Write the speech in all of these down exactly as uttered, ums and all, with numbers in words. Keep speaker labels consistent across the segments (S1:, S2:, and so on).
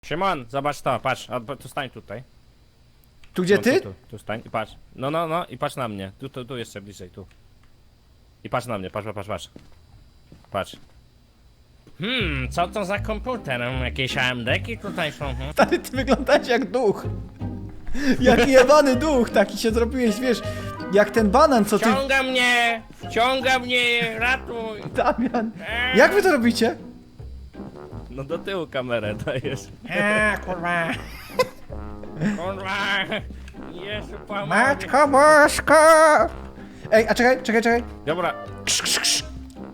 S1: Szymon, zobacz to, patrz, a, tu stań tutaj.
S2: Tu gdzie
S1: No,
S2: ty?
S1: Tu, tu, tu stań i patrz. No, no, no i patrz na mnie. Tu, tu, tu jeszcze bliżej, tu. I patrz na mnie, patrz, patrz, patrz. Patrz. Hmm, co to za komputer? Jakieś A M D-ki tutaj są? Hmm?
S2: Stary, ty wyglądasz jak duch. Jak jebany duch, taki się zrobiłeś, wiesz, jak ten banan, co ty...
S1: Wciąga mnie! Wciąga mnie! Ratuj!
S2: Damian, jak wy to robicie?
S1: No do tyłu kamerę dajesz.
S3: A, kurwa.
S1: Kurwa! Jezu, pomóż.
S2: Matko Bosko! Ej, a czekaj, czekaj, czekaj.
S1: Dobra.
S2: Krz, krz, krz.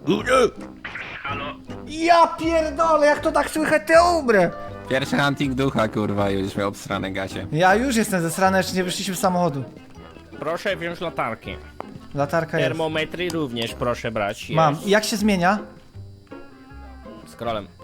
S2: Ja pierdolę, jak to tak słychać, te umrę.
S3: Pierwszy hunting ducha, kurwa, już miał obsrane gacie.
S2: Ja już jestem zesrany, jeszcze nie wyszliśmy z samochodu.
S1: Proszę wziąć latarki.
S2: Latarka jest.
S1: Termometry również proszę brać. Jest.
S2: Mam. I jak się zmienia?
S1: Scrollem.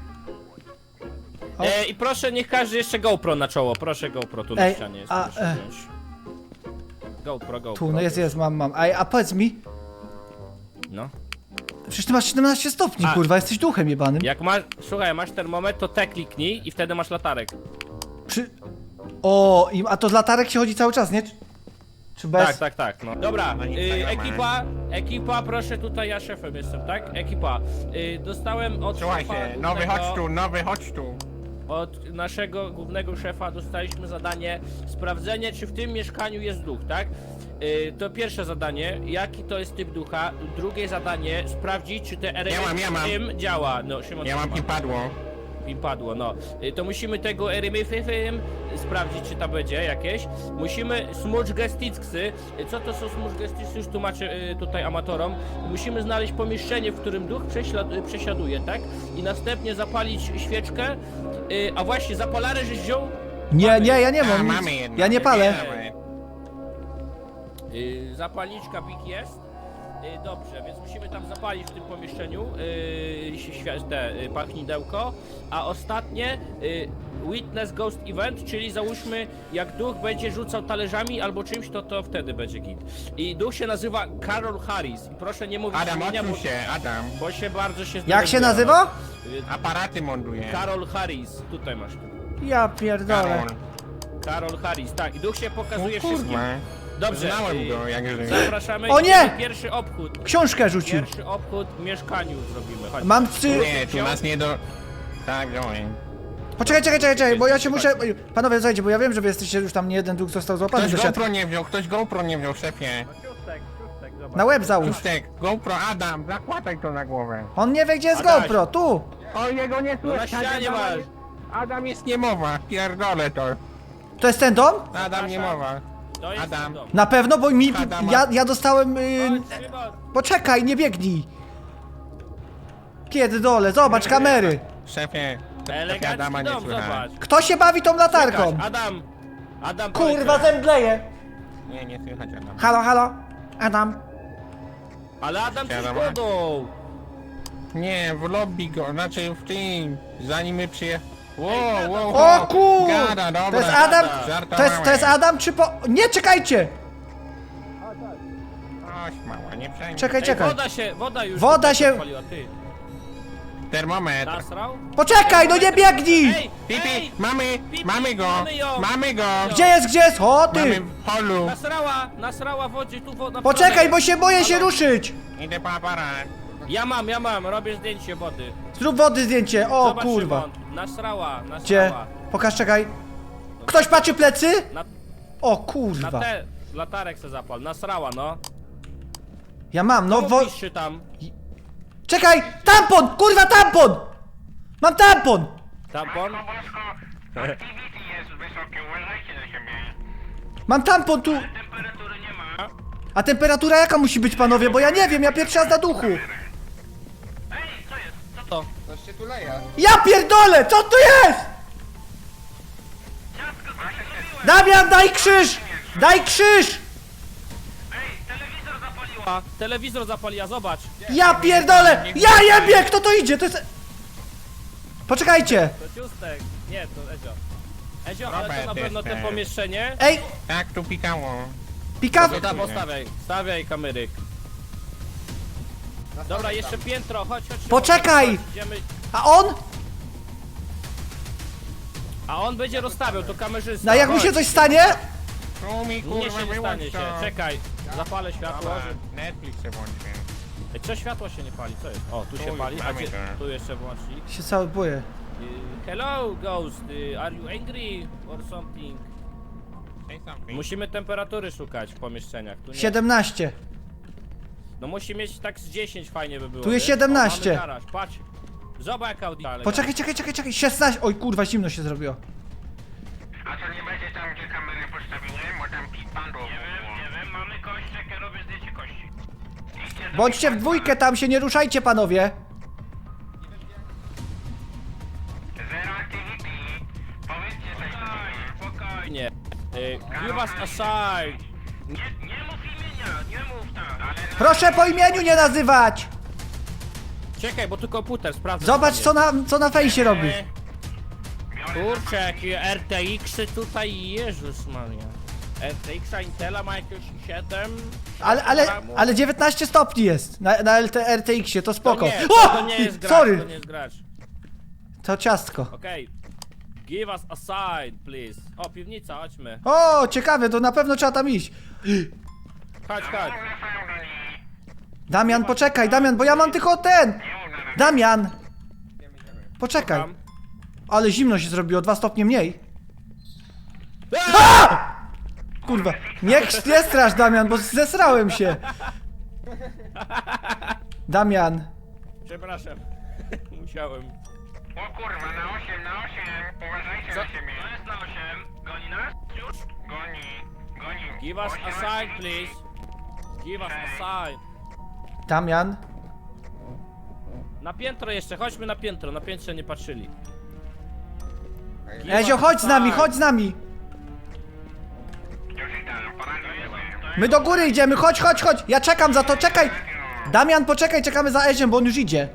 S2: O.
S1: E, I proszę, niech każdy jeszcze GoPro na czoło. Proszę GoPro, tu na
S2: Ej,
S1: ścianie jest.
S2: a,
S1: proszę
S2: e.
S1: wziąć. GoPro, GoPro.
S2: Tu, no jest, jest, mam, mam. Ej, a powiedz mi,
S1: No.
S2: przecież ty masz siedemnaście stopni,
S1: A.
S2: kurwa, jesteś duchem jebanym.
S1: Jak masz, słuchaj, masz termometr, to te kliknij i wtedy masz latarek.
S2: Przy... O, i- a to z latarek się chodzi cały czas, nie? Czy bez?
S1: Tak, tak, tak, no. Dobra, y, ekipa, ekipa, proszę, tutaj ja szefem jestem, tak? Ekipa, y, dostałem od
S4: Słuchajcie,
S1: szefa
S4: nowy
S1: głównego-
S4: chodź tu, nowy chodź tu.
S1: Od naszego głównego szefa dostaliśmy zadanie sprawdzenie, czy w tym mieszkaniu jest duch, tak? Yy, to pierwsze zadanie, jaki to jest typ ducha. Drugie zadanie, sprawdzić, czy te R M
S4: Ja mam, ja mam.
S1: w tym działa. No, Szymon,
S4: Ja mam
S1: ma.
S4: kim padło.
S1: Im padło, no. Yy, to musimy tego R M F sprawdzić, czy tam będzie jakieś. Musimy smudge gesticksy. Yy, co to są smudge gesticksy? Już tłumaczę yy, tutaj amatorom. Musimy znaleźć pomieszczenie, w którym duch prześlad, yy, przesiaduje, tak? I następnie zapalić świeczkę. Yy, a właśnie, zapalarę żeś wziął?
S2: Nie, nie, ja nie
S4: A,
S2: mam nic.
S4: mamy jedno.
S2: Ja nie palę.
S4: Mamy.
S1: Yy, zapalniczka big jest. Yy, dobrze, więc musimy tam zapalić w tym pomieszczeniu yy, świ- te yy, pachnidełko. A ostatnie yy, Witness Ghost Event, czyli załóżmy, jak duch będzie rzucał talerzami albo czymś, to to wtedy będzie git. I duch się nazywa Carol Harris. I proszę nie mówić
S4: Adam,
S1: imienia,
S4: odsuń
S1: bo,
S4: się, Adam.
S1: bo się bardzo się
S2: Jak się
S1: zdenerwuję.
S2: nazywa?
S1: Yy,
S4: Aparaty mąduje.
S1: Carol Harris, tutaj masz.
S2: Ja pierdolę.
S4: Karol.
S1: Carol Harris, tak. I duch się pokazuje
S4: O
S1: wszystkim.
S4: kurwa.
S1: Dobrze.
S4: Znałem
S1: yy,
S4: go, jak żyje.
S1: Zapraszamy.
S2: O nie!
S1: Pierwszy obchód.
S2: Książkę rzucił.
S1: Pierwszy obchód w mieszkaniu zrobimy. Chodź.
S2: Mam trzy...
S4: Nie, tu nas nie do... Tak, wziąłem.
S2: Poczekaj, czekaj, czekaj, czekaj, bo ja się muszę... Panowie, słuchajcie, bo ja wiem, że wy jesteście już tam, nie jeden duch został złapany
S4: Ktoś
S2: do siatki.
S4: GoPro nie wziął, ktoś GoPro nie wziął, szefie.
S2: Na łeb załóż.
S4: Pustek, GoPro, Adam, zakładaj to na głowę.
S2: On nie wie, gdzie jest
S1: Adaś.
S2: GoPro, tu.
S4: O, jego nie
S1: No na
S4: słychać.
S1: ścianie
S4: Adam,
S1: masz.
S4: Adam jest niemowa, pierdolę to.
S2: To jest ten dom?
S4: Adam niemowa.
S1: To jest
S4: Adam.
S1: dom.
S2: Na pewno, bo mi...
S4: Adama.
S2: Ja, ja dostałem... Yy...
S1: Chodź, Szymon.
S2: Poczekaj, nie biegnij. Kiedy dole, zobacz kamery.
S4: Szefie,
S1: Elegancki
S4: Adama nie
S1: dom,
S4: słychać.
S1: zobacz.
S2: Kto się bawi tą latarką?
S1: Czekasz, Adam. Adam,
S2: Kurwa,
S1: powiedz.
S2: zemdleję.
S4: Nie, nie słychać Adam.
S2: Halo, halo. Adam.
S1: Ale Adam coś
S4: Siadam.
S1: wodą.
S4: Nie, w lobby go, znaczy w tym, zanim my przyje... Wow, wow,
S2: O
S4: wow.
S2: kur...
S4: Gada, dobra.
S2: To jest Adam...
S4: Żartowałem.
S2: To jest, to jest Adam czy po... Nie, czekajcie.
S4: Oś, mała, nie przejmuj.
S2: Czekaj,
S1: Ej,
S2: czekaj.
S1: woda się, woda już
S2: Woda
S1: tutaj
S2: się-
S1: zapaliła, ty.
S4: Termometr.
S1: Nasrał?
S2: Poczekaj, no nie biegnij.
S1: Ej,
S4: Pipi,
S1: ej!
S4: mamy,
S1: Pipi,
S4: mamy go,
S1: mamy ją.
S4: mamy go.
S2: Gdzie jest, gdzie jest? O,
S4: Mamy
S2: ty.
S4: w holu.
S1: Nasrała, nasrała wodzie, tu woda.
S2: Poczekaj, bo się boję się ruszyć.
S4: Idę po aparat.
S1: Ja mam, ja mam, robię zdjęcie wody.
S2: Zrób wody zdjęcie. O,
S1: Zobacz,
S2: kurwa.
S1: Szymon, nasrała, nasrała.
S2: Gdzie? Pokaż, czekaj. Ktoś patrzy plecy?
S1: Na,
S2: O,
S1: na
S2: kurwa.
S1: te, latarek se zapal, nasrała, no.
S2: Ja mam, no wo...
S1: Piszczy tam.
S2: Czekaj! Tampon! Kurwa, tampon! Mam tampon!
S1: Tampon?
S4: Activity jest wysokie, uważajcie na siebie.
S2: Mam tampon tu!
S4: Temperatury nie ma.
S2: A temperatura jaka musi być, panowie? Bo ja nie wiem, ja pierwszy raz na duchu.
S4: Ej, co jest?
S1: Co to?
S4: Coś się tu leje.
S2: Ja pierdolę! Co tu jest? Damian, daj krzyż! Daj krzyż!
S4: Ej, telewizor zapaliła.
S1: A, telewizor zapaliła, zobacz.
S2: Ja pierdolę! Ja jebie! Kto to idzie? To jest... Poczekajcie!
S1: To ciustek. Nie, to Ezio. Ezio, ale to
S4: Robert
S1: na pewno te
S4: jestem.
S1: pomieszczenie.
S2: Ej!
S4: Tak, tu pikało.
S2: Pikaw...
S1: To tam postawiaj, stawiaj kameryk. Dobra, jeszcze piętro, chodź, chodź. Szymon,
S2: Poczekaj!
S1: chodź, Idziemy.
S2: A on?
S1: A on będzie rozstawiał, to kamerzysta.
S2: No a jak mi
S1: Chodź.
S2: się coś stanie?
S4: Tu mi
S1: Nie
S4: kurwa
S1: się nie
S4: wyłącz
S1: stanie się.
S4: to.
S1: Czekaj, zapalę światło.
S4: Dobra,
S1: Że...
S4: Netflix się włączy.
S1: Ej, co światło się nie pali? Co jest? O, tu się
S4: Tu
S1: pali, a
S4: mamy
S1: gdzie?
S4: to.
S1: Tu jeszcze włącznik.
S2: Się cały boję.
S1: Y, Hello, Ghost. y, Are you angry or something?
S4: Say something.
S1: Musimy temperatury szukać w pomieszczeniach. Tu nie.
S2: siedemnaście.
S1: No musi mieć tak z dziesięć fajnie by było.
S2: Tu jest
S1: wiesz?
S2: siedemnaście.
S1: O, mamy garaż, patrz. Zobacz jak Audi. ale
S2: Poczekaj, czekaj, czekaj, czekaj. szesnaście. Oj kurwa, zimno się zrobiło.
S4: A to nie będzie tam, gdzie kamery postawiłem, bo tam pando.
S1: Nie wiem, nie wiem, mamy kość, czekaj, robię zdjęcie kości.
S2: Bądźcie w dwójkę tam, się nie ruszajcie panowie.
S4: Zero activity. Powiedzcie coś do
S1: Spokojnie. Y, give us a sign. Nie, nie mów imienia, nie mów tak. Ale...
S2: Proszę po imieniu nie nazywać.
S1: Czekaj, bo tu komputer, sprawdzę.
S2: Zobacz
S1: tam
S2: co na, co na fejsie robi.
S1: jest. Kurczę, jakie R T X-y tutaj, Jezus Maria. R T X-a Intela ma jakieś siedem.
S2: Ale, ale,
S1: gramów.
S2: ale dziewiętnaście stopni jest na, na L T R T X-ie, to
S1: To
S2: spoko.
S1: nie, to,
S2: O!
S1: to nie jest gracz,
S2: Sorry,
S1: to nie jest gracz.
S2: to ciastko.
S1: Okej. Give us a sign, please. O, piwnica, chodźmy.
S2: O, ciekawe, to na pewno trzeba tam iść.
S1: Chodź, chodź.
S2: Damian, poczekaj, Damian, bo ja mam tylko ten. Damian. Poczekaj.
S1: Tam.
S2: Ale zimno się zrobiło, dwa stopnie mniej. A! Kurwa, nie, nie strasz Damian, bo zesrałem się. Damian.
S1: Przepraszam. Musiałem.
S4: O kurwa, na osiem, na osiem. Uważajcie
S1: Co?
S4: na siebie.
S1: To jest na osiem. Goni nas? Już?
S4: Goni, goni.
S1: Give us a
S4: Osiem,
S1: sign, please. Give us a sign.
S2: Damian.
S1: Na piętro jeszcze, chodźmy na piętro, na piętrze nie patrzyli. Give
S2: Ezio,
S1: us a
S2: chodź z nami,
S1: sign.
S2: chodź z nami.
S4: Już idę, poraduję.
S2: My do góry idziemy, chodź, chodź, chodź. Ja czekam za to, czekaj. Damian, poczekaj, czekamy za Eziem, bo on już idzie.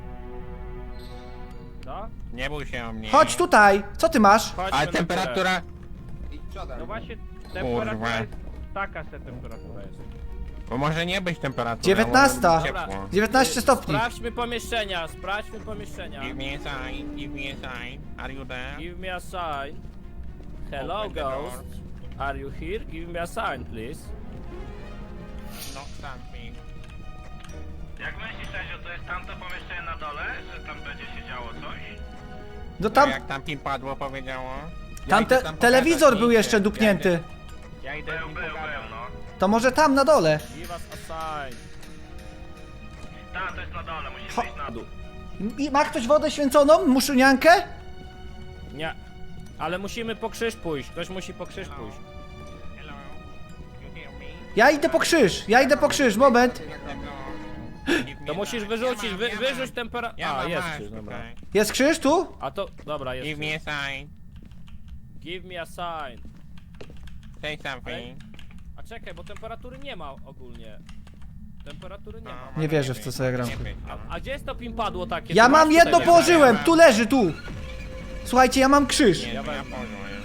S1: Co?
S4: Nie bój się o mnie.
S2: Chodź tutaj. Co ty masz?
S1: Chodźmy
S4: A
S1: na
S4: temperatura...
S1: górę. No właśnie,
S4: Kurwa.
S1: temperatura jest... Taka se temperatura jest.
S4: Bo może nie być temperatura.
S2: dziewiętnasta.
S4: może być ciepło.
S2: dziewiętnaście stopni.
S1: Sprawdźmy pomieszczenia, sprawdźmy pomieszczenia.
S4: Give me a sign, give me a sign. Are you there?
S1: Give me a sign. Hello,
S4: Open the door.
S1: ghost. Are you here? Give me a sign, please.
S4: No something.
S1: Jak myślisz, Ezio, to jest tamto pomieszczenie na dole, że tam będzie się działo coś?
S2: No
S4: Tam...
S2: tam,
S4: Jak tam pin padło powiedziało? Ja
S2: tam
S4: idę
S2: te,
S4: tam
S2: telewizor
S4: pokazać,
S2: był
S4: nie
S2: jeszcze
S4: idę.
S2: dupnięty.
S4: Ja idę, ja idę
S1: Był, był, był, no.
S2: To może tam na dole.
S1: Give us a sign. Tak, to jest na dole, musimy
S2: Ho-
S1: iść na dół.
S2: I ma ktoś wodę święconą? Muszyniankę?
S1: Nie. Ale musimy po krzyż pójść, ktoś musi po krzyż pójść.
S4: Hello. You hear me?
S2: Ja idę po krzyż, ja idę po krzyż, moment.
S1: To musisz wyrzucić, wy, wyrzuć temperaturę.
S4: Ja
S1: A,
S4: mam,
S1: jest
S4: masz
S1: krzyż, dobra.
S4: tutaj.
S2: Jest krzyż tu?
S1: A to, dobra, jest
S4: Give me a
S1: krzyż.
S4: sign.
S1: Give me a sign.
S4: Say something.
S1: A czekaj, bo temperatury nie ma ogólnie. Temperatury nie ma.
S2: Nie wierzę w to, co ja gram.
S1: A gdzie jest to pimpadło takie?
S2: Ja
S1: Tu
S2: mam
S1: masz
S2: jedno,
S1: tutaj,
S2: położyłem, tu leży, tu. Słuchajcie, ja mam krzyż.
S4: Nie,
S1: Ja
S4: ja
S1: wezmę.
S4: położę.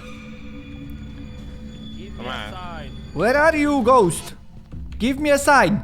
S1: Give me a sign.
S2: Where are you, ghost? Give me a sign.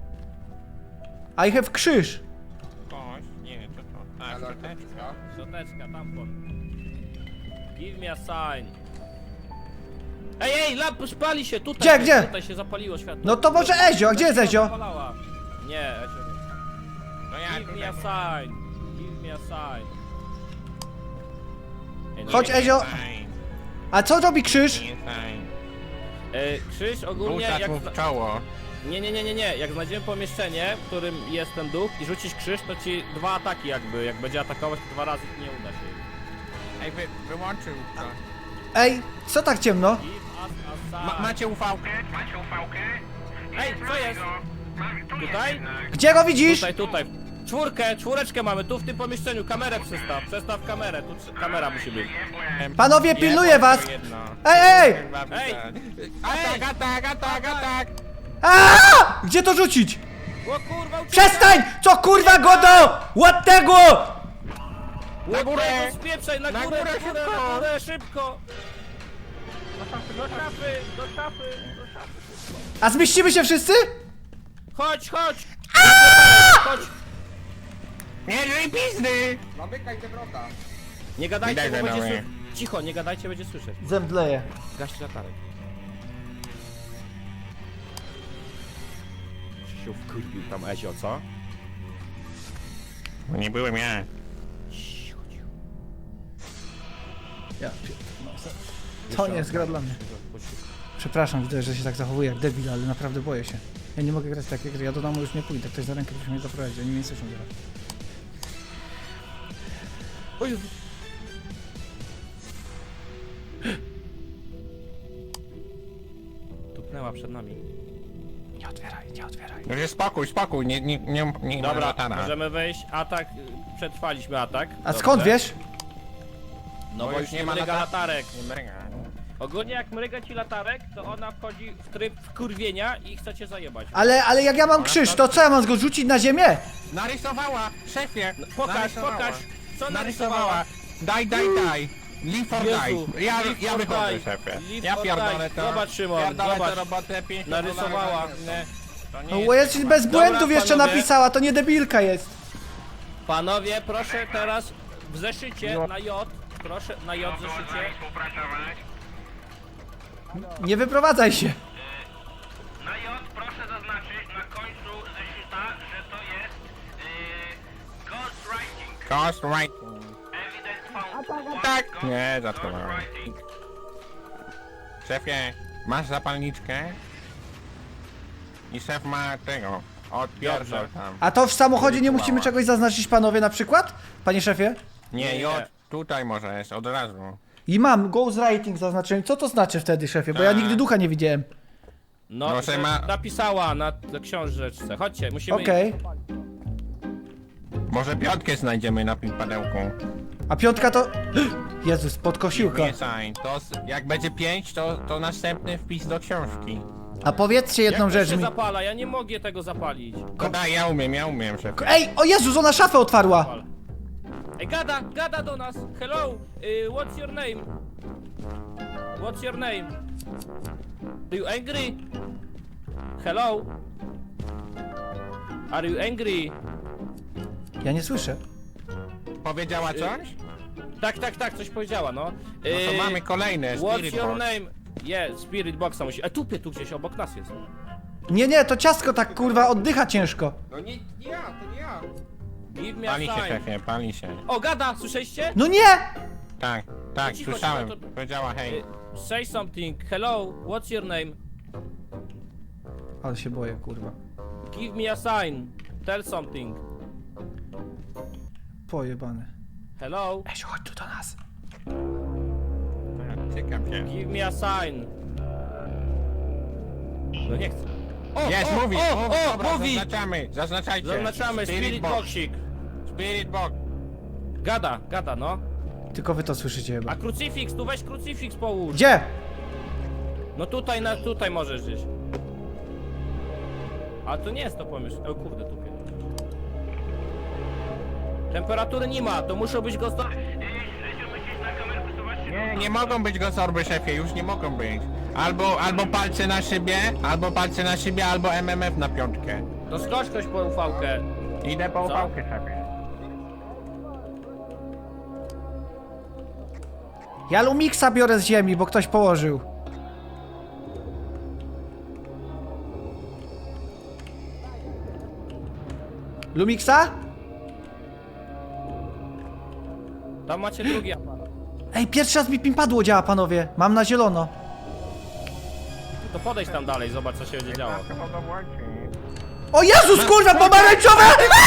S2: I have krzyż.
S4: Kość? Nie, co to? A, szczoteczka.
S1: Szczoteczka, tampon. Give me a sign. Ej, ej, lamp spali się tutaj.
S2: Gdzie, gdzie?
S1: Tutaj się zapaliło światło.
S2: No to może Ezio, a gdzie jest Ezio?
S1: Zapalała. Nie, Ezio nie.
S4: No ja
S1: Give me
S4: tutaj...
S1: a sign. Give me a sign. Ej, no
S2: Chodź,
S1: nie-
S2: Ezio.
S4: Sign.
S2: A co robi krzyż?
S4: Nie sign.
S1: E, krzyż ogólnie
S4: Rzucać
S1: jak...
S4: mu w czoło.
S1: Nie, nie, nie, nie, nie. Jak znajdziemy pomieszczenie, w którym jest ten duch i rzucisz krzyż, to ci dwa ataki jakby. Jak będzie atakować, to dwa razy nie uda się.
S4: Ej, wy, wyłączył to.
S2: Ej, co tak ciemno?
S1: Give us a sign.
S4: Ma, macie ufałkę? Macie ufałkę?
S1: Ej, co jest? Tutaj?
S2: Gdzie go widzisz?
S1: Tutaj, tutaj. Czwórkę, czwóreczkę mamy, tu w tym pomieszczeniu. Kamerę przestaw, przestaw kamerę. Tu trz- kamera musi być.
S2: Panowie, pilnuję was.
S4: Jedno.
S2: Ej, ej!
S1: Ej!
S4: Atak, atak, atak, atak!
S2: Aaaa! Gdzie to rzucić?
S1: O kurwa, uciekaj!
S2: Przestań! Co kurwa godo? Ładnego!
S1: Na
S4: górę!
S1: Spieprzaj, na
S4: Na
S1: górę,
S4: górę,
S1: na górę,
S4: szybko!
S1: na górę, szybko! Do szafy, do szafy, do szafy, do szafy.
S2: A zmieścimy się wszyscy?
S1: Chodź, chodź! Chodź!
S4: Nie, żyj pizdy!
S1: Nie gadajcie,
S4: Widać,
S1: bo
S4: że
S1: będzie,
S4: nowe.
S1: sły- Cicho, nie gadajcie, będzie słyszeć.
S2: Zemdleję.
S1: Gaś latarek. Się wkurwił tam Ezio, co?
S4: No nie byłem ja.
S1: Cicho, cicho.
S2: Ja, no, to nie jest gra dla mnie. Przepraszam, widzę, że się tak zachowuję jak debil, ale naprawdę boję się. Ja nie mogę grać w takie gry, ja do domu już nie pójdę, ktoś za rękę musi mnie zaprowadzić, oni mnie nie słyszą grać.
S1: O Jezu. Tupnęła przed nami.
S2: Nie otwieraj, nie otwieraj.
S4: No się spokój, spokój, nie, nie, nie, nie ma
S1: Dobra,
S4: latara.
S1: możemy wejść. Atak, y, przetrwaliśmy atak.
S2: A
S1: Dobrze.
S2: skąd wiesz?
S1: No
S4: Bo
S1: bo
S4: już
S1: już
S4: nie
S1: nie
S4: ma
S1: mryga
S4: lata-
S1: latarek.
S4: Nie mryga.
S1: Ogólnie jak mryga ci latarek, to ona wchodzi w tryb wkurwienia i chce cię zajebać.
S2: Ale, ale jak ja mam krzyż, to co, ja mam go rzucić na ziemię?
S4: Narysowała, szefie!
S1: No, pokaż,
S4: narysowała.
S1: pokaż, co narysowała.
S4: Daj, daj, daj! Live or
S1: Jezu,
S4: die! Ja,
S1: live
S4: ja
S1: or
S4: wychodzę,
S1: die.
S4: szefie.
S1: Live
S4: Ja
S1: or
S4: pierdolę
S1: die.
S4: to.
S1: Zobacz, Szymon,
S4: Pierdolę
S1: zobacz.
S4: tę robotę, pięć
S1: Narysowała.
S4: Nie, to nie
S2: No
S4: jest
S2: bo jest
S4: tak.
S2: bez błędów
S1: Dobra,
S2: jeszcze
S1: panowie.
S2: napisała, to nie debilka jest.
S1: Panowie, proszę teraz w zeszycie
S4: Jo.
S1: na J, proszę na J w zeszycie.
S2: Nie wyprowadzaj się.
S1: Na J proszę zaznaczyć na końcu zeszyta, że to jest yy, ghostwriting.
S4: Ghost writing.
S1: Evidence found.
S4: Tak! Nie, zatkowałem. Szefie, masz zapalniczkę? I szef ma tego. Odpierdol
S1: Dobrze.
S4: tam.
S2: A to w samochodzie nie
S4: Mała.
S2: musimy czegoś zaznaczyć, panowie, na przykład? Panie szefie?
S4: Nie,
S1: Nie.
S4: J, tutaj możesz, od razu.
S2: I mam ghostwriting zaznaczyłem. Co to znaczy wtedy, szefie? Bo ja
S4: Tak.
S2: nigdy ducha nie widziałem.
S1: No,
S4: Proszę,
S1: że
S4: ma-
S1: napisała na na książeczce. Chodźcie, musimy...
S2: Okej.
S4: Może piątkę znajdziemy na pimpadełku.
S2: A piątka to... Jezus, podkosiłka.
S4: Nie sign. To s- jak będzie pięć, to, to następny wpis do książki.
S2: A powiedzcie jedną
S1: Jak to
S2: rzecz
S1: się
S2: mi.
S1: zapala? Ja nie mogę tego zapalić.
S4: To daj, ja umiem, ja umiem, szef.
S2: Ej, o Jezus, ona szafę otwarła!
S1: Zapal. Ej, gada, gada do nas. Hello, y, what's your name? What's your name? Are you angry? Hello? Are you angry?
S2: Ja nie słyszę.
S4: Powiedziała coś?
S1: Tak, tak, tak, coś powiedziała, no.
S4: No to
S1: Y,
S4: mamy kolejne,
S1: What's
S4: Spirit
S1: your
S4: Box.
S1: name? Yeah, Spirit Boxa musi... A tupie tu gdzieś obok nas jest.
S2: Nie, nie, to ciastko tak kurwa oddycha ciężko.
S3: No nie, nie ja, to nie ja.
S1: Give me a
S4: Pali się,
S1: sign.
S4: szefie, pali się.
S1: O, gada, słyszeliście?
S2: No nie!
S4: Tak, tak,
S1: cicho,
S4: słyszałem.
S1: cicho, to-
S4: Powiedziała hej.
S1: Y, Say something. Hello, what's your name?
S2: Ale się boję, kurwa.
S1: Give me a sign. Tell something.
S2: Pojebane.
S1: Hello?
S2: Esiu, chodź tu do nas.
S4: Ciekaw się.
S1: Give me a sign. No nie chcę. O,
S4: Jest,
S1: o,
S4: mówi,
S1: o,
S4: mówi,
S1: o,
S4: dobra,
S1: mówi.
S4: zaznaczamy, zaznaczajcie.
S1: Zaznaczamy Spirit Boxik.
S4: Spirit Box.
S1: Gada, gada, no.
S2: Tylko wy to słyszycie chyba.
S1: A krucyfiks, tu weź krucyfiks połóż.
S2: Gdzie?
S1: No tutaj, na, tutaj możesz gdzieś. A to nie jest to pomysł. O kurde, tupie. Temperatury nie ma, to muszą być gosto...
S4: Nie, nie mogą być gozorby, szefie, już nie mogą być. Albo, albo palce na szybie, albo palce na szybie, albo M M F na piątkę.
S1: To skocz ktoś po ufałkę.
S4: Idę po
S1: Co?
S4: upałkę, szefie.
S2: Ja Lumixa biorę z ziemi, bo ktoś położył. Lumixa?
S1: Tam macie drugi aparat.
S2: Ej, pierwszy raz mi pimpadło działa, panowie. Mam na zielono.
S1: No to podejdź tam dalej, zobacz co się będzie działo.
S4: Chyba go włączy.
S2: O Jezus, kurwa, pomarańczowe!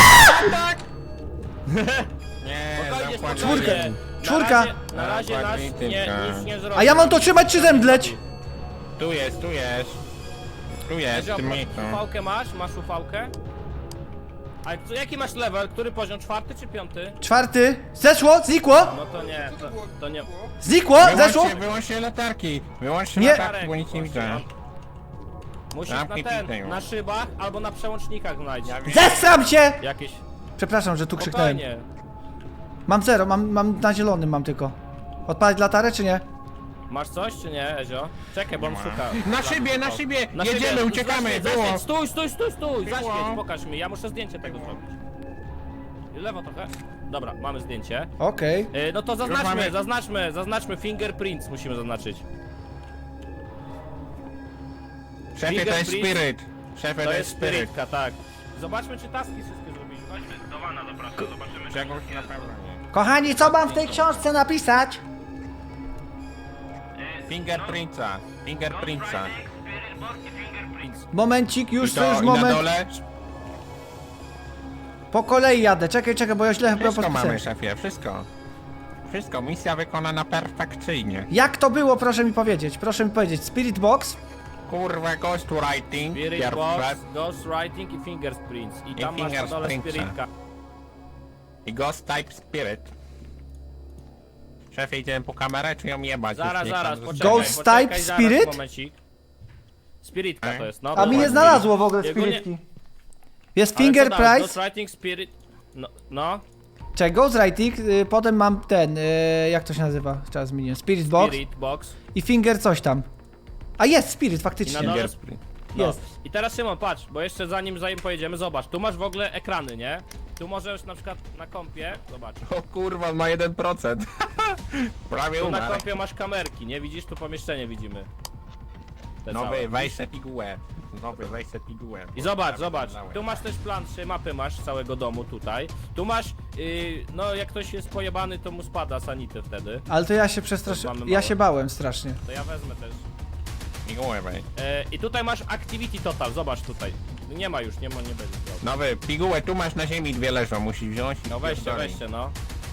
S4: Nie,
S1: Spokojnie,
S4: zakładaj.
S1: spokojnie.
S2: Czwórka.
S1: Na razie, na razie nas
S4: Zakładaj
S1: nie,
S4: tylko.
S1: nic nie zrobi.
S2: A ja mam to trzymać czy zemdleć?
S4: Tu jest, tu jest. Tu jest, w tym miejscu.
S1: Ufałkę masz? Masz ufałkę? A co- jaki masz level? Który poziom? Czwarty czy piąty?
S2: Czwarty. Zeszło? Znikło?
S1: No to nie, to, to nie.
S2: Znikło? Zeszło?
S4: Wyłączcie, wyłączcie latarki. Wyłączcie
S2: Nie.
S4: latarki, bo nic nie widzę.
S1: Musisz na
S4: Zamknij
S1: ten,
S4: pizdę.
S1: na szybach albo na przełącznikach znajdzie.
S2: Zesram się!
S1: Jakieś.
S2: Przepraszam, że tu krzyknąłem.
S1: Spokojnie.
S2: Mam zero, mam, mam na zielonym mam tylko. Odpalić latarę czy nie?
S1: Masz coś czy nie, Ezio? Czekaj, bo on szuka.
S4: Na szybie, na szybie!
S1: Na
S4: Jedziemy,
S1: szybie.
S4: uciekamy!
S1: Zaświeć,
S4: Było!
S1: zaświeć. Stój, stój, stój, stój!
S4: Było.
S1: Zaświeć, pokaż mi, ja muszę zdjęcie tego zrobić. Lewo trochę. Dobra, mamy zdjęcie.
S2: Okej.
S1: E, no to zaznaczmy,
S4: mamy.
S1: zaznaczmy, zaznaczmy fingerprints musimy zaznaczyć.
S4: Szefie, to jest
S1: Fingerprint.
S4: spirit. Szefie,
S1: To jest
S4: spirit.
S1: spirytka, tak. Zobaczmy, czy taski wszystkie zrobiliśmy. Chodźmy do wana, zapraszam, zobaczymy.
S4: Czegoś na pewno nie.
S2: Kochani, co mam w tej książce napisać?
S4: Fingerprintsa. Fingerprintsa.
S1: Spirit box i fingerprints.
S2: Momencik, już,
S4: I,
S2: to
S4: to,
S2: już
S4: i na
S2: moment.
S4: dole
S2: Po kolei jadę, czekaj, czekaj, bo ja źle chyba
S4: wszystko
S2: podpisałem.
S4: mamy, szefie, wszystko. Wszystko, misja wykonana perfekcyjnie.
S2: Jak to było, proszę mi powiedzieć, proszę mi powiedzieć. Spirit Box?
S4: Kurwa, ghostwriting,
S1: Spirit box,
S4: pierwsze.
S1: ghostwriting i fingerprints. I
S4: I
S1: tam masz na dole
S4: fingerprintsa.
S1: spirytka.
S4: I ghost type spirit. Szefie, idziemy po kamerę, czy ją jebać?
S1: Zaraz,
S4: Już niech
S1: zaraz,
S4: pan
S1: poczekaj,
S2: Ghost
S1: poczekaj,
S2: type
S1: zaraz,
S2: spirit?
S1: momencik. Spiritka
S4: Ej.
S1: to jest, no.
S2: A mi nie
S1: dokładnie.
S2: znalazło w ogóle
S1: Jego nie-
S2: spiritki. Jest
S1: Ale
S2: Finger
S1: co dalej?
S2: Price,
S1: Ghostwriting, spirit... No, no.
S2: czekaj, Ghostwriting, y, potem mam ten, y, jak to się nazywa, teraz zmieniłem, Spirit Box
S1: Spirit box.
S2: i Finger coś tam. A jest Spirit,
S1: I
S2: faktycznie.
S1: na dole...
S4: Fingerprint.
S1: No.
S2: Jest.
S1: I teraz Szymon, patrz, bo jeszcze zanim zanim pojedziemy, zobacz, tu masz w ogóle ekrany, nie? Tu możesz na przykład na kompie, zobacz,
S4: O kurwa, ma jeden procent. Prawie
S1: tu na
S4: umarł.
S1: kompie masz kamerki, nie? Widzisz, tu pomieszczenie widzimy. Te całe.
S4: Nowy, weź se pigułę. Nowy, weź se pigułę.
S1: I zobacz,
S4: Prawie
S1: zobacz,
S4: umarłem.
S1: tu masz też plan, trzy mapy masz całego domu tutaj. Tu masz, yy, no jak ktoś jest pojebany, to mu spada sanity wtedy.
S2: Ale to ja się przestraszyłem,
S1: Mamy
S2: ja
S1: małe.
S2: się bałem strasznie.
S1: To ja wezmę też.
S4: Pigułę weź.
S1: E, I tutaj masz activity total, zobacz tutaj. Nie ma już, nie ma, nie będzie miał.
S4: Nowy, pigułę, tu masz na ziemi dwie leżą, musisz wziąć i
S1: No weźcie,
S4: pierdolej.
S1: weźcie, no.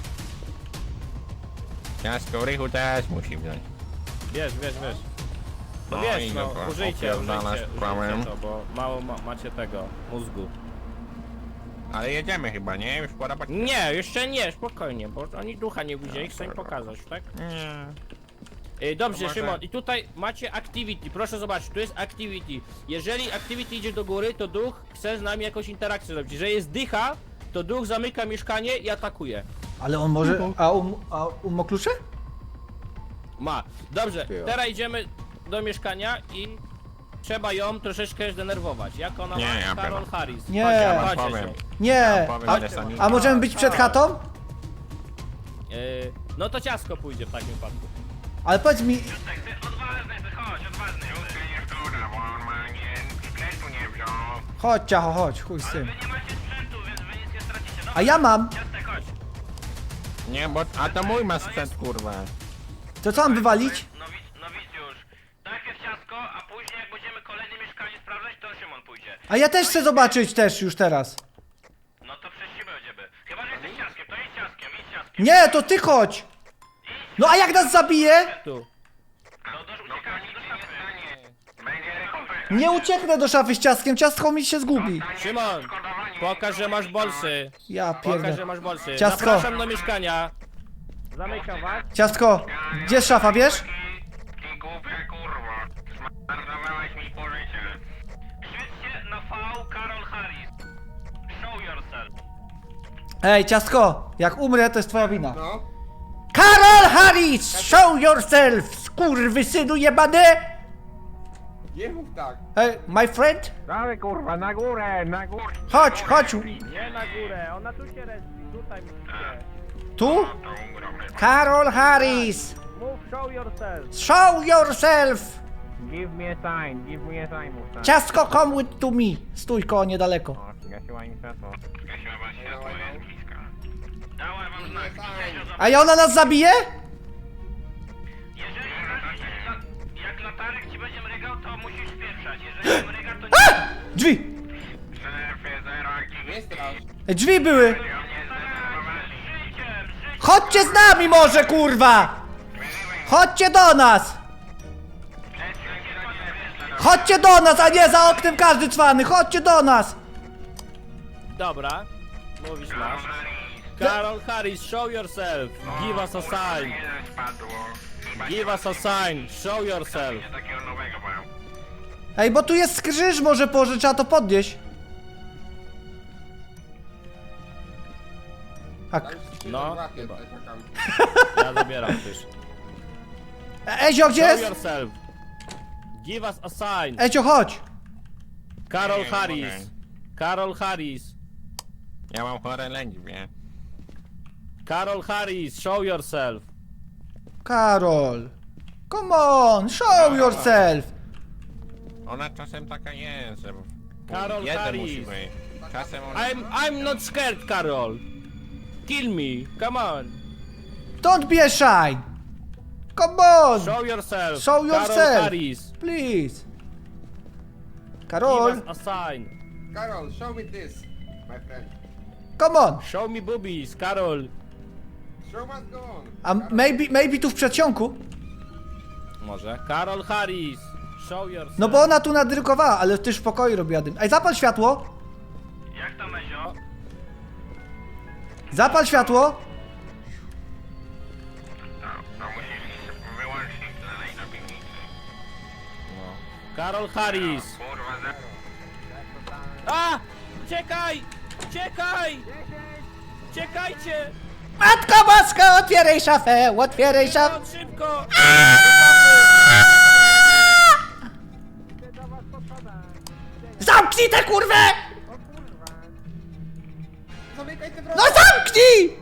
S4: Ciastko rychu też musi wziąć.
S1: Wiesz, wiesz, wiesz. No
S4: No
S1: wiesz,
S4: i
S1: no,
S4: dobra,
S1: użyjcie,
S4: opierdalasz
S1: użyjcie,
S4: prawem.
S1: użyjcie to, bo mało ma, macie tego, mózgu.
S4: Ale jedziemy chyba, nie? Już pora bać.
S1: Nie, jeszcze nie, spokojnie, bo oni ducha nie widzieli, chcę im pokazać, tak?
S4: Nie.
S1: Ej, dobrze,
S4: To może-
S1: Szymon, i tutaj macie activity, proszę zobaczyć, tu jest activity. Jeżeli activity idzie do góry, to duch chce z nami jakąś interakcję zrobić. Jeżeli jest dycha, to duch zamyka mieszkanie i atakuje.
S2: Ale on może, a um, a um ma klucze?
S1: Ma. Dobrze, teraz idziemy do mieszkania i trzeba ją troszeczkę zdenerwować. Jak ona
S4: Nie,
S1: ma?
S4: ja
S1: Carol
S4: pierdolę.
S1: Harris.
S2: Nie.
S1: Chodźcie,
S2: Ja
S4: wam
S1: chodźcie
S4: powiem.
S1: się.
S2: Nie,
S4: powiem,
S2: a,
S4: że sami-
S2: a możemy być przed chatą?
S1: Yy, no to ciasko pójdzie w takim wypadku.
S2: Ale powiedz mi,
S1: Odważny, chodź, odważny.
S2: chodź ciacho, chodź, chuj z tym.
S1: Nie macie sprzętu, więc wy nic nie stracicie. No
S2: A ja mam,
S1: ciastek, chodź.
S4: Nie, bo... A to mój ma sprzęt, kurwa.
S2: to co mam wywalić?
S1: Nowic, nowicjusz. Najpierw ciasko, a później jak będziemy kolejne mieszkanie sprawdzać, to Szymon pójdzie.
S2: A ja też chcę zobaczyć też już teraz.
S1: No to przez siebie będziemy. Chyba, że jesteś ciaskiem, to idź ciaskiem, idź ciaskiem.
S2: Nie, to ty chodź! No a jak nas zabije?
S1: Tu. No do, uciekajcie do szafy.
S2: Nie ucieknę do szafy z ciastkiem, ciastko mi się zgubi.
S1: Szymon, pokaż, że masz bolsy.
S2: Ja
S1: Pokaż, że
S2: pierdolę.
S1: masz bolsy.
S2: Ciastko.
S1: Zapraszam do mieszkania. Zamykam was.
S2: Ciastko, gdzie jest szafa, wiesz?
S4: Ty głupia kurwa. Zmarnowałeś mi pożycie.
S1: Świećcie na V Carol Harris. Show yourself.
S2: Ej, ciastko, jak umrę, to jest twoja wina. No. Carol Harris, show yourself, skurwysynu jebany!
S3: Nie mów tak.
S2: Ej, my friend?
S4: Dalej kurwa, na górę, na górę.
S2: Chodź, chodź.
S1: Nie na górę, ona tu się respi, tutaj musicie.
S2: Tu? Carol Harris,
S1: Move, show yourself.
S2: show yourself!
S4: Give me a sign, give me a sign. Musa.
S2: Ciastko, come with to me. Stój koło niedaleko.
S4: O, zgasiła im światło. Zgasiła was światło, jest bliska.
S1: Dałem wam znak.
S2: A i ona nas zabije?
S1: Jeżeli jak latarek ci będzie mrygał, to musisz spieprzać. Jeżeli nie mryga, to nie...
S2: A! Drzwi!
S4: Szefie, zero,
S3: Nie strasz.
S2: Ej, drzwi były!
S1: Życiem, życiem.
S2: Chodźcie z nami może, kurwa! Chodźcie do nas! Chodźcie do nas, a nie za oknem każdy cwany! Chodźcie do nas!
S1: Dobra, mówisz masz. Carol Harris, show yourself. Give us a sign. Give us a sign. Show yourself.
S4: Takiego nowego mają.
S2: Ej, bo tu jest krzyż, może pożycz, trzeba to podnieść. Tak.
S1: No.
S3: Chyba.
S1: Ja zabieram też.
S2: Ezio, gdzie
S1: Show
S2: jest?
S1: yourself. Give us a sign.
S2: Ezio, chodź!
S1: Carol
S4: Nie, nie
S1: Harris.
S4: mogę.
S1: Carol Harris.
S4: Ja mam chore lędźwie.
S1: Carol Harris, show yourself.
S2: Karol! Come on, show yourself!
S4: Ona czasem taka jest, że...
S1: Karol
S4: jeden
S1: Harris.
S4: musi być. Czasem ona...
S1: I'm, I'm not scared, Carol. Kill me, come on.
S2: Don't be shy! Come on!
S1: Show yourself.
S2: Show
S1: Carol
S2: yourself.
S1: Harris.
S2: Please!
S1: Give
S2: Karol,
S1: us a sign.
S5: Carol, show me this, my friend.
S2: come on!
S1: Show me boobies, Carol.
S5: Show must go on.
S2: A maybe, maybe tu w przedsionku?
S1: Może. Carol Harris, show yourself.
S2: No bo ona tu nadrukowała, ale też w pokoju robiła dym. Ej, zapal światło!
S1: Jak to, Mezio?
S2: Zapal światło!
S4: No musisz wyłączyć dalej na piwnicy.
S1: Carol Harris.
S4: Kurwa, za...
S1: A! Uciekaj! Uciekaj! Uciekajcie!
S2: Matko Boska, otwieraj szafę, otwieraj szafę!
S1: Szybko, szybko!
S2: Zamknij tę kurwę!
S5: Zamykaj te
S2: No
S5: wrota!
S2: zamknij!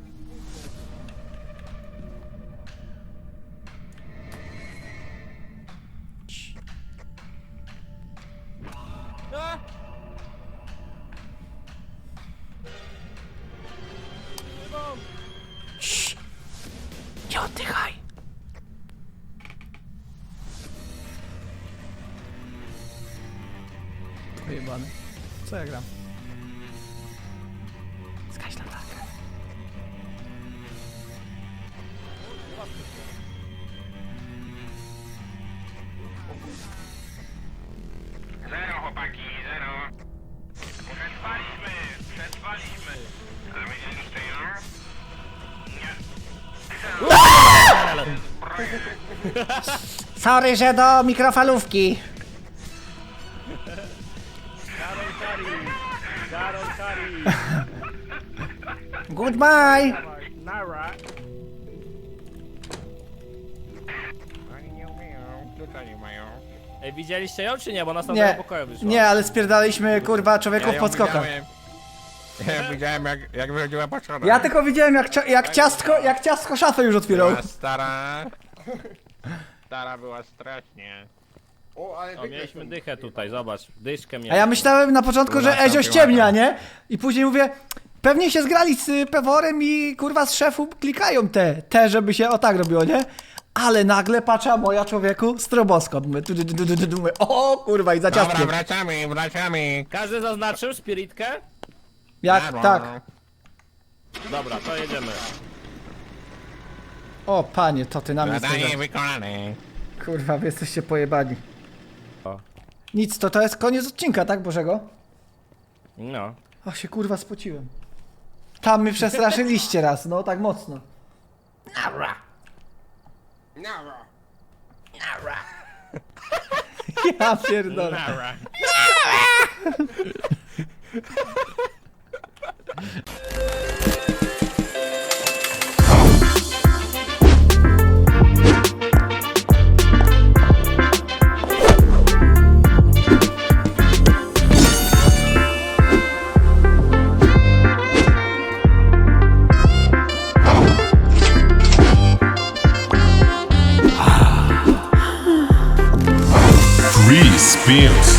S1: A!
S2: Nie oddychaj! Pojebany. Co ja gram? Zgaś latarkę.
S4: Zero, chłopaki, zero. Przetrwaliśmy, przetrwaliśmy. A widzieliście ją?
S2: Sorry, że do mikrofalówki.
S1: Carol Harris! Carol Harris!
S2: Goodbye!
S1: Nara!
S4: Oni nie umieją, tutaj nie mają.
S1: Ej, widzieliście ją czy nie? Bo nas na nie,
S2: Nie,
S1: pokoju wyszła.
S2: nie, ale spierdaliśmy kurwa człowieków
S4: ją
S2: pod skokach.
S4: widziałem. Ja widziałem jak, jak wychodziła po schodach.
S2: Ja tylko widziałem jak, cia- jak ciastko, jak ciastko szafę już otwierał.
S4: Była stara. Stara była strasznie.
S5: O, ale
S1: O,
S5: wygrać
S1: mieliśmy
S5: ten-
S1: dychę tutaj, zobacz. Dyszkę
S2: A
S1: mieliśmy.
S2: ja myślałem na początku, że Ezio ściemnia, nie? I później mówię, pewnie się zgrali z y, Peworem i kurwa z szefu klikają te, te, żeby się o tak robiło, nie? Ale nagle patrzę, a moja człowieku, stroboskop. Mówię, tu, tu, tu, tu, tu, tu, mówię, o kurwa i za
S4: Dobra,
S2: ciastkiem.
S4: wracamy, wracamy.
S1: Każdy zaznaczył spiritkę?
S2: Jak,
S4: Dobra.
S2: tak.
S1: Dobra, to jedziemy.
S2: O panie, to ty na mnie
S4: Zadanie
S2: stoi.
S4: wykonane.
S2: Kurwa, wy jesteście pojebani.
S1: O.
S2: Nic, to to jest koniec odcinka, tak Bożego?
S1: No.
S2: O, się kurwa spociłem. Tam mnie przestraszyliście raz, no tak mocno.
S5: Nara.
S2: Ja pierdolę.
S1: Nara.
S6: Free spins.